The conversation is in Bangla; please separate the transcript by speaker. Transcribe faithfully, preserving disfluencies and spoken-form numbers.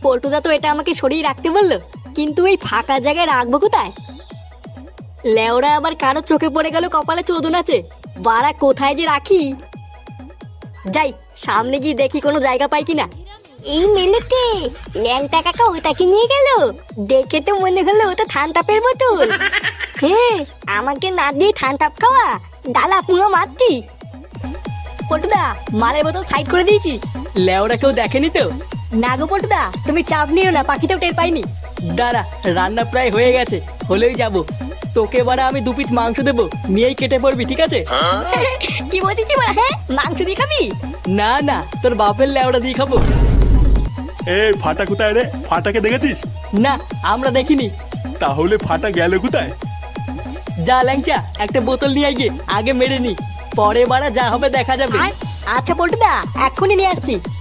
Speaker 1: পল্টুদা তো এটা আমাকে সরিয়ে রাখতে বললো, কিন্তু এই ফাঁকা জায়গায় রাখবো কোথায়? লেওরা আবার কারো চোখে পড়ে গেল কপালে চোদন আছে, বাড়া কোথায় যে রাখি। যাই সামনে গিয়ে দেখি কোনো জায়গা পাই কিনা। এই মেলেতে ল্যাংটা কাকা ওটাকে নিয়ে গেল, দেখে তো মনে হলো ওটা থানতাপের বোতল। হ্যাঁ, আমাকে না দিয়ে থানতাপ খাওয়া, ডালা পুরো মারছি। পল্টুদা মালের বোতল সাইড করে দিয়েছি।
Speaker 2: লেওরা কেউ দেখেনি তো?
Speaker 1: না গো পল্টুদা, তুমি চাপ নিও না, পাখিতেও টের পাইনি।
Speaker 2: দাঁড়া, রান্না প্রায় হয়ে গেছে, হলেই যাব। তোকে এবারে আমি দু পিস মাংস দেবো, নিয়েই কেটে পড়বি, ঠিক আছে?
Speaker 1: কি বলছিস বলা? হ্যাঁ, মাংস দিয়ে খাবি?
Speaker 2: না না, তোর বাপের লেওড়া দিয়ে খাবো।
Speaker 3: এই ফাটা কোথায় রে? ফাটাকে দেখেছিস?
Speaker 2: না, আমরা দেখিনি।
Speaker 3: তাহলে ফাটা গেল কোথায়?
Speaker 2: যা ল্যাংচা, একটা বোতল নিয়ে আয় গিয়ে, আগে মেরে নি, পরে বারা যা হবে দেখা যাবে।
Speaker 1: আচ্ছা পল্টুদা, এক্ষুনি নিয়ে আসছি।